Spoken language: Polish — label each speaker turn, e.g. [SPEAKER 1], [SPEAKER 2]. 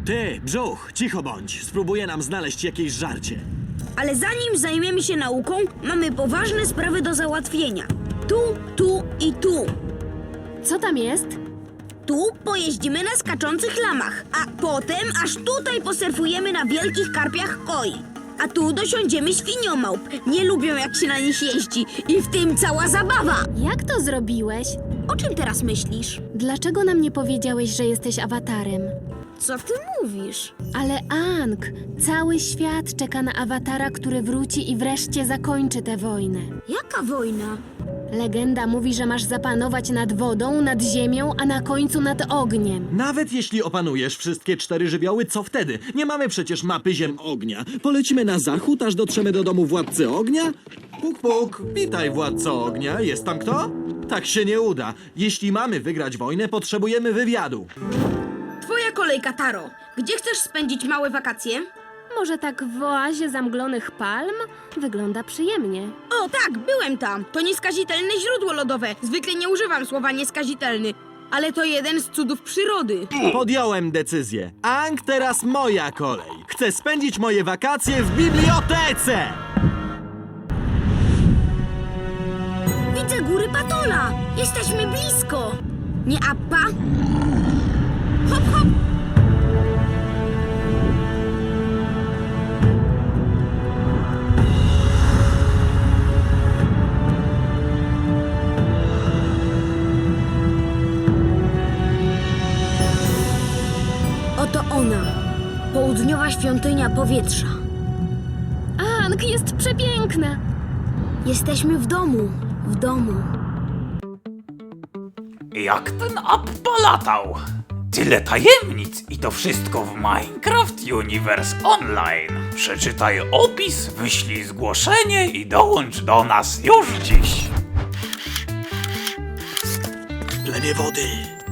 [SPEAKER 1] Ty, brzuch, cicho bądź. Spróbuję nam znaleźć jakieś żarcie.
[SPEAKER 2] Ale zanim zajmiemy się nauką, mamy poważne sprawy do załatwienia. Tu i tu.
[SPEAKER 3] Co tam jest?
[SPEAKER 2] Tu pojeździmy na skaczących lamach, a potem aż tutaj posurfujemy na wielkich karpiach koi. A tu dosiądziemy świniomałp. Nie lubią, jak się na nich jeździ. I w tym cała zabawa.
[SPEAKER 3] Jak to zrobiłeś?
[SPEAKER 2] O czym teraz myślisz?
[SPEAKER 3] Dlaczego nam nie powiedziałeś, że jesteś awatarem?
[SPEAKER 2] Co ty mówisz?
[SPEAKER 3] Ale Ang, cały świat czeka na awatara, który wróci i wreszcie zakończy tę wojnę.
[SPEAKER 2] Jaka wojna?
[SPEAKER 3] Legenda mówi, że masz zapanować nad wodą, nad ziemią, a na końcu nad ogniem.
[SPEAKER 1] Nawet jeśli opanujesz wszystkie 4 żywioły, co wtedy? Nie mamy przecież mapy ziem ognia. Polecimy na zachód, aż dotrzemy do domu władcy ognia? Puk, puk. Witaj, władco ognia. Jest tam kto? Tak się nie uda. Jeśli mamy wygrać wojnę, potrzebujemy wywiadu.
[SPEAKER 2] Twoja kolejka, Taro. Gdzie chcesz spędzić małe wakacje?
[SPEAKER 3] Może tak w oazie zamglonych palm? Wygląda przyjemnie.
[SPEAKER 2] O tak, byłem tam. To nieskazitelne źródło lodowe. Zwykle nie używam słowa nieskazitelny, ale to jeden z cudów przyrody.
[SPEAKER 1] Podjąłem decyzję. Ang, teraz moja kolej. Chcę spędzić moje wakacje w bibliotece!
[SPEAKER 2] Widzę góry Patola. Jesteśmy blisko. Nie Appa? Hop, hop. Oto ona. Południowa świątynia powietrza.
[SPEAKER 3] Ang jest przepiękna!
[SPEAKER 2] Jesteśmy w domu. W domu.
[SPEAKER 4] Jak ten app polatał? Tyle tajemnic i to wszystko w Minecraft Universe Online. Przeczytaj opis, wyślij zgłoszenie i dołącz do nas już dziś.
[SPEAKER 1] Plemię wody.